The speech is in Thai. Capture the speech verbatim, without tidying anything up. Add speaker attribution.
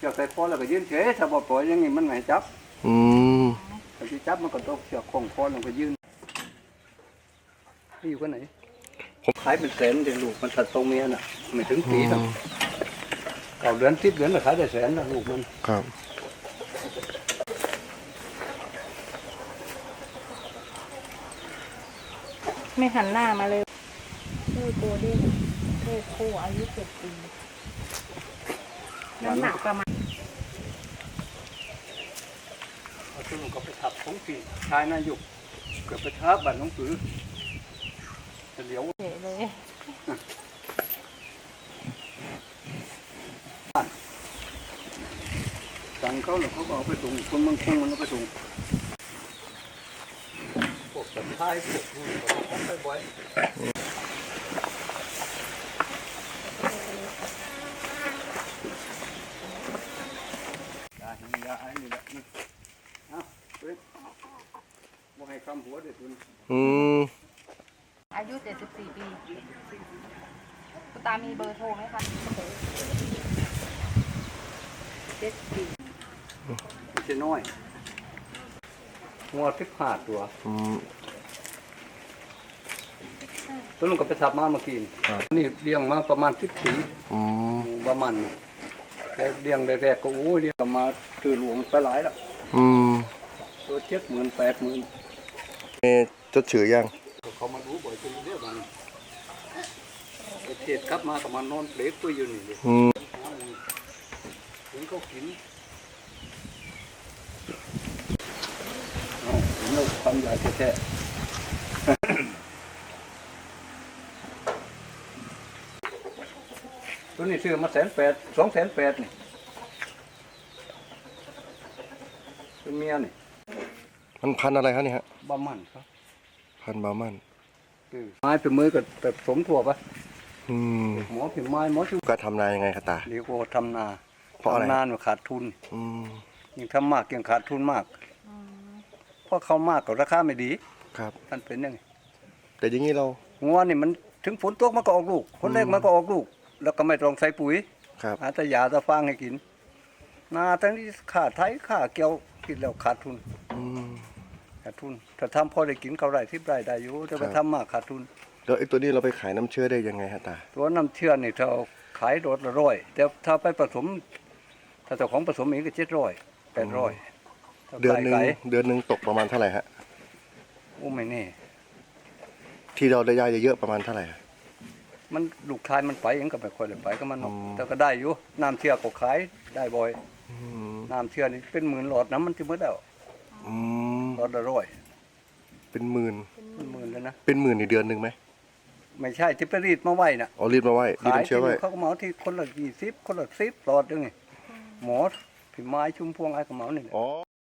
Speaker 1: ชือกใส่คอแล้วก็ยืนเฉยถ้าบ่ปล่อยอย่างนี้มันไม่จับ
Speaker 2: อืม
Speaker 1: ถ้าที่จับมันก็ต้องเชือกคล้องคอลงไปยืนนี่อยู่กันไหนผมขายเป็นแสนเดี๋ยวลูกมันถัดตรงเมียน่ะไม่ถึงปีหรอกเก่าเดือนสิบเดือนก็ขายได้แสนนะลูกมัน
Speaker 2: ครับ
Speaker 3: ไม่หันหน้ามาเลยชื่อโกลเด้นเพศคู่อายุเจ็ดปีน้ำหนักประมาณ
Speaker 1: เอาตัวลูกก็ไปทับของปีชายนายุกเกิดไปทับบ้านน้องปือจะเหลียว
Speaker 3: เฉยเลย
Speaker 1: สั่งเขาแล้วเขาก็เอาไปส่งคนเมืองคงมันเอาไปส่งพวกสัตว์ท้ายพวกนู้นก็ของไปบ่อยยาหิยาไอ้นี่แหละนี่เอาเว้ยบ่ให้คำหัวเด็ดคุณ
Speaker 2: อืม
Speaker 3: อายุเจ็ดสิบสี่ปีคุณตามีเบอร์โทรไหมคะเจ็ดปี
Speaker 1: ไม่ใช่น้อยงอทิพหาตัว
Speaker 2: อืม
Speaker 1: ตัวลุงก็ไปทับมาเมื่อกี้นี่เลี้ยงมาประมาณสิบปี
Speaker 2: อืม
Speaker 1: ประมาณแต่เลี้ยงแรกๆก็โอ้ยเลี้ยงมาคือหลวงไปหลายแล้ว
Speaker 2: อืม
Speaker 1: ตัวเจ็ดหมื่นแปดหมื่น
Speaker 2: เอจดชื่อยัง
Speaker 1: เขามาดูบ่อยจนเรียกมันเทศกลับมากับมานอนเปลกตัวอยู่นี่เลย
Speaker 2: อืม
Speaker 1: ถึงเขากินอ๋อถึงเราทำใหญ่แท้ตัวนี้ซื้อมาแสนแปดสองแสนแปดนี่เป็นเมียนี่
Speaker 2: มันพันอะไรครับนี่ฮะ
Speaker 1: บามันครับ
Speaker 2: พันบามัน
Speaker 1: ไม้เป็นมือกับแบบสมถั่วปะ
Speaker 2: อืม
Speaker 1: หมอเป็นไม้หมอชุบ
Speaker 2: การทำนายังไงครับตา
Speaker 1: เรียกว่าทำนา
Speaker 2: เพราะอะไร
Speaker 1: ทำนาเนี่ยขาดทุน
Speaker 2: อืม
Speaker 1: ยิ่งทำมากยิ่งขาดทุนมากเพราะเขามากกับราคาไม่ดี
Speaker 2: ครับ
Speaker 1: มันเป็นยังไง
Speaker 2: แต่อย่างนี้เรา
Speaker 1: งัวนี่มันถึงฝนตกมันก็ออกลูกฝนแรกมันก็ออกลูกแล้วก็ไม่ต้องใส่ปุ๋ย
Speaker 2: ครับ
Speaker 1: หาแต่ยาแต่ฟางให้กินนาทั้งนี้ขาดไถขาเกี่ยวกินแล้วขาดทุน
Speaker 2: อืม
Speaker 1: ขาดทุนถ้าทำพอได้กินเขาได้ที่ได้ได้อยู่แต่ไปทำมากขาดทุน
Speaker 2: แล้วไอ้ตัวนี้เราไปขายน้ำเชื้อได้ยังไงฮะตา
Speaker 1: ตัวน้ำเชื่อนี่เราขายโดดละร้อยแต่ถ้าไปผสมถ้าเจ้าของผสมเองก็เจ็ดร้อยแปดร้อย
Speaker 2: เดือนหนึ่งเดือนหนึ่งตกประมาณเท่าไหร่ฮะ
Speaker 1: โอ้ไม่แน่
Speaker 2: ที่เราได้ยาเยอะๆประมาณเท่าไหร่
Speaker 1: มันลูกชายมันไปเองก็ไม่ค่อยเลยไปก็มันแต่ก็ได้อยู่น้ำเชื่อก็ขายได้บ่อยน้ำเชื่อนี่เป็นหมื่นหลอดน้ำมันจะมืดแล้วหลอดละร้อย
Speaker 2: เป็นหมื่น
Speaker 1: เป็นหมื่นเลยนะ
Speaker 2: เป็นหมื่นในเดือนหนึ่งไหม
Speaker 1: ไม่ใช่ที่ไปรีดมาไว้น่ะ
Speaker 2: อ๋อรีดมาไว้รีดน้ำเชื้อไว้
Speaker 1: เขาก็เหมาที่คนละยี่สิบคนละสิบหลอดนึงไงหมอที่ไม้ชุมพวงไอ้ก็เหมานี่